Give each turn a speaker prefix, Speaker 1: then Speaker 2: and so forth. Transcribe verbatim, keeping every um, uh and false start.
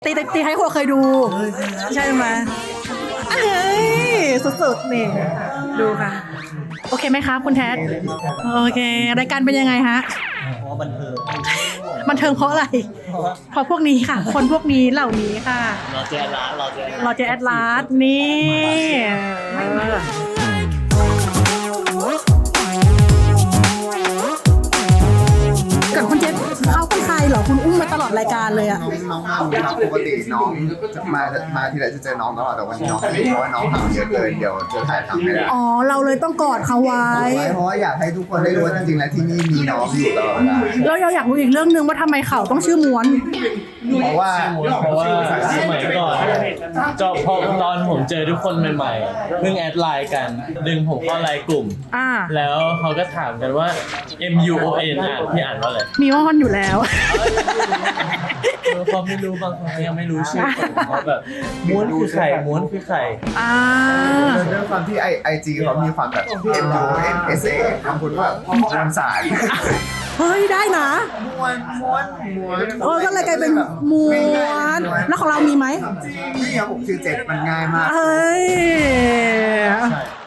Speaker 1: ตีตีให้คนเคยดู ใช่ไหมเฮ้ยสุดๆนี่ดูค่ะ โอเคไหมคะคุณแท็กโอเครายการเป็นยังไงฮะ
Speaker 2: เพราะว่าบันเทิง
Speaker 1: บันเทิงเพราะอะไร เพราะพวกนี้ค่ะ คนพวกนี้เหล่านี้ค่ะ
Speaker 2: เราเจอร้านเราเจอ
Speaker 1: เราจะแอดลาสนี่ก่อนคุณเจษเขาเป็นใครเหรอคุณอุ้มมาตลอดรายการเลยอะ
Speaker 3: น้องน้องมาครับปกติน้องจะมามาทีไรจะเจอน้องตลอดแต่วันนี้น้องไม่ได้เพราะว่าน้องทำเยอะเกินเดี๋ยวจะถ่ายทำไม่ได้
Speaker 1: อ๋อเราเลยต้องกอดเขาไว้
Speaker 3: เพราะว่าอยากให้ทุกคนได้รู้ว่าจริงๆแล้วที่นี่มีน้องอยู่ตลอดเวลา
Speaker 1: แล้วเราอยากรู้อีกเรื่องนึงว่าทำไมเขาต้องชื่อม้วน
Speaker 3: เพราะว่า
Speaker 4: เพราะว่าสมัยก่อนจอบพอตอนผมเจอทุกคนใหม่ๆเพิ่งแอดไลน์กัน ดึงผมเข้าไลน์กลุ่ม
Speaker 1: อ่า
Speaker 4: แล้วเขาก็ถามกันว่า M U O N อ่านพี่อ่านว่าอะไร
Speaker 1: มีม้วนอยู่แล้ว
Speaker 4: เออเขาไม่รู้บางคนเขายังไม่รู้ชื่อผมเขาแบบม้วนคือใครม้วนคือใคร
Speaker 1: อ่า
Speaker 3: ด้วยความที่ไอไอจีเขามีความแบบ M U N S A คำพูดว่าม้วนสาย
Speaker 1: เฮ้ยได้นะ
Speaker 3: ม้วนม้วนม้วน
Speaker 1: เออก็เลยกลายเป็นม้วนแล้วของเรามีไหม
Speaker 3: จริงนี่ครับผมชื่อเจ็ดมันง่ายมาก
Speaker 1: เฮ้ย
Speaker 4: ใช่